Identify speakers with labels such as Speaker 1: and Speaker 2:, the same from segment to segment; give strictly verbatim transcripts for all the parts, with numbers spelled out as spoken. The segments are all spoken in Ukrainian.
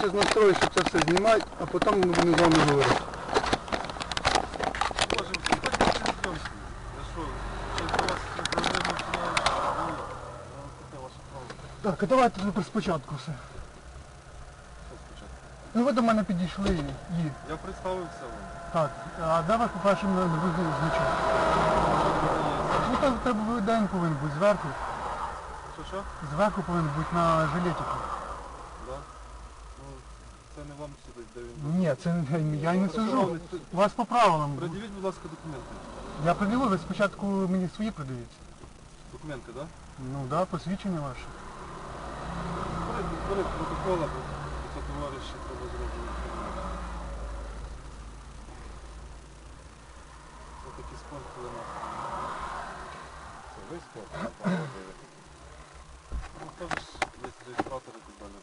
Speaker 1: зараз настрою, щоб це все знімати, а потім ми будемо з вами говорити. Так, а давайте спочатку все. Ну ви до мене підійшли і...
Speaker 2: Я представився вам.
Speaker 1: Так, а де вас, по-перше, не визнали значок? Ну так треба день повинен бути зверху.
Speaker 2: Що що?
Speaker 1: Зверху повинен бути на жилетику.
Speaker 2: Да? Ну, це не вам судить, де він був.
Speaker 1: Ні, це я і не сужу. У вас по правилам.
Speaker 2: Придивіть, будь ласка, документи.
Speaker 1: Я придивив, ви спочатку мені свої придивіться.
Speaker 2: Документи, так? Да?
Speaker 1: Ну так, да, посвідчення ваше.
Speaker 2: Перед протокола, бо це товариші треба зробити. Ось такий спорт, коли нас. Це ви спорт? Ну, хто ж є реєстратори і так далі.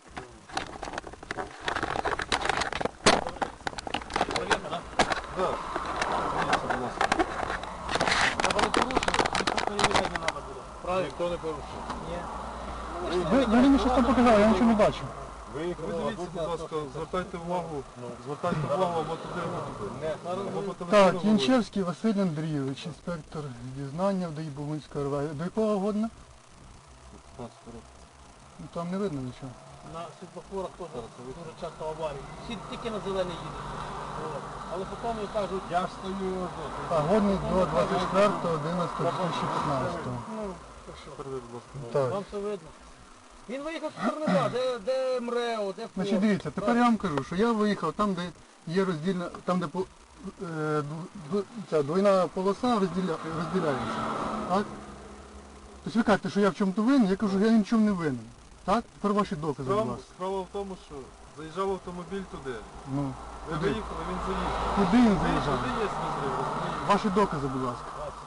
Speaker 3: Повірно, так?
Speaker 2: Так. Будь ласка.
Speaker 3: Треба не порушити, ніхто перевіряти не треба буде. Правильно?
Speaker 2: Ніхто не порушив.
Speaker 3: Ні.
Speaker 1: Ви, ви мені щось там показали, я нічого не бачу.
Speaker 2: Ви дивіться, будь ласка, звертайте увагу, звертайте увагу або туди, або туди. Або по телефону
Speaker 1: Так, Янчевський Василь Андрійович, інспектор дізнання в ДАІ Богунської РВ. До якого година? Ну, там не видно нічого.
Speaker 3: На світлофорах теж дуже часто аварії. Всі тільки на зелений їдуть. От. Але потім кажуть, я стою.
Speaker 1: А годний до двадцять четвертого одинадцятого дві тисячі п'ятнадцятого.
Speaker 3: Ну, то що?
Speaker 2: Передайте, будь ласка.
Speaker 1: Так.
Speaker 3: Вам все видно. Він виїхав з Корнева, де, де МРЕО, де
Speaker 1: Значить, дивіться, тепер я вам кажу, що я виїхав там, де є роздільна, там, де по- е, дв- дв- ця двойна полоса розділя, розділяється. Так? Тобто ви кажете, що я в чому-то винен, я кажу, що я ні в чому не винен. Так? Тепер ваші докази, будь
Speaker 2: Справа,
Speaker 1: ласка.
Speaker 2: справа в тому, що заїжджав автомобіль туди.
Speaker 1: Ну,
Speaker 2: Ви
Speaker 1: куди?
Speaker 2: виїхали, він заїхав.
Speaker 1: Куди він
Speaker 2: Туди
Speaker 1: заїжджав?
Speaker 2: є розрив, розумієте?
Speaker 1: Ваші докази, будь ласка.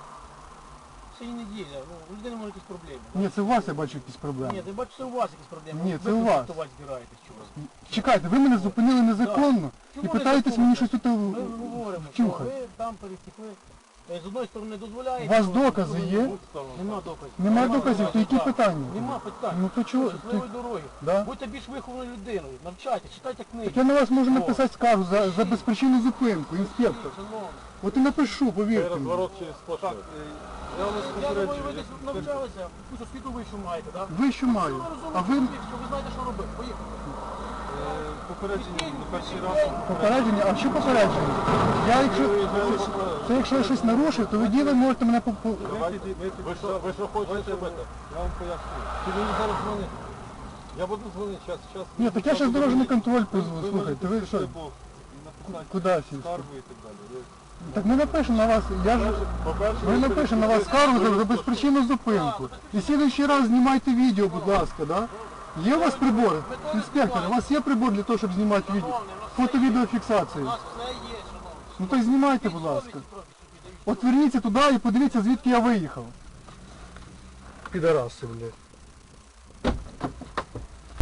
Speaker 3: Це і неділя, ну, у людини можуть якісь проблеми.
Speaker 1: Ні, це у вас я бачу якісь
Speaker 3: Ні,
Speaker 1: проблеми.
Speaker 3: ти бачиш, це у вас якісь проблеми.
Speaker 1: Ні,
Speaker 3: Ви
Speaker 1: це у вас.
Speaker 3: конфліктувати збираєтесь чогось.
Speaker 1: Чекайте, ви мене зупинили незаконно і
Speaker 3: Чому
Speaker 1: питаєтесь
Speaker 3: незаконно?
Speaker 1: мені щось тут
Speaker 3: Ми
Speaker 1: в-
Speaker 3: говоримо, що
Speaker 1: втюхати.
Speaker 3: ви там перетекли. Е, З одної сторони
Speaker 1: У
Speaker 3: дозволяєте.
Speaker 1: вас
Speaker 3: з другої
Speaker 1: докази
Speaker 3: сторони
Speaker 1: є?
Speaker 3: Нема доказів.
Speaker 1: Нема доказів, то які
Speaker 3: Так.
Speaker 1: питання?
Speaker 3: Нема питань.
Speaker 1: Ну то чого?
Speaker 3: Щасливої
Speaker 1: то-
Speaker 3: дороги.
Speaker 1: Да?
Speaker 3: Будьте більш вихованою людиною. Навчайте, читайте книги.
Speaker 1: Так я на вас можу
Speaker 3: О.
Speaker 1: написати скаргу за, за безпричинну зупинку, інспектор.
Speaker 3: Шановні.
Speaker 1: От і напишу, повірте мені.
Speaker 2: Розворот через сплошну. Так, е, я вас
Speaker 3: Я думаю, ви
Speaker 2: попереджую.
Speaker 3: десь навчалися, якусь освіту вищу маєте, так?
Speaker 1: Ви що маю? А ви
Speaker 3: Що ви знаєте, що робити. Поїхали.
Speaker 2: Е, Попередження на перший раз.
Speaker 1: попередження? А що попередження? Я якщо, це якщо я щось нарушив, то ви діли можете мене по... по-
Speaker 2: Давайте, ви що, ви що хочете робити? Я вам поясню. Ти мені зараз дзвонити. Я буду дзвонити, зараз, зараз.
Speaker 1: Ні, так я зараз дорожній контроль позву. Слухайте, ви що? Куди сісти?
Speaker 2: Скаргу і так далі. Ви-
Speaker 1: Так ми напишемо на вас, я ж...
Speaker 2: По-перше,
Speaker 1: Ми напишемо на вас скаргу за, за безпричинну зупинку. І слідуючий раз знімайте відео, будь ласка, да? Є у вас прибори? Інспектор, у вас є прибор для того, щоб знімати відео? Фото-відеофіксацію.
Speaker 3: У нас все є, шановні.
Speaker 1: Ну то й знімайте, будь ласка. От верніться туди і подивіться, звідки я виїхав. Підараси, блядь.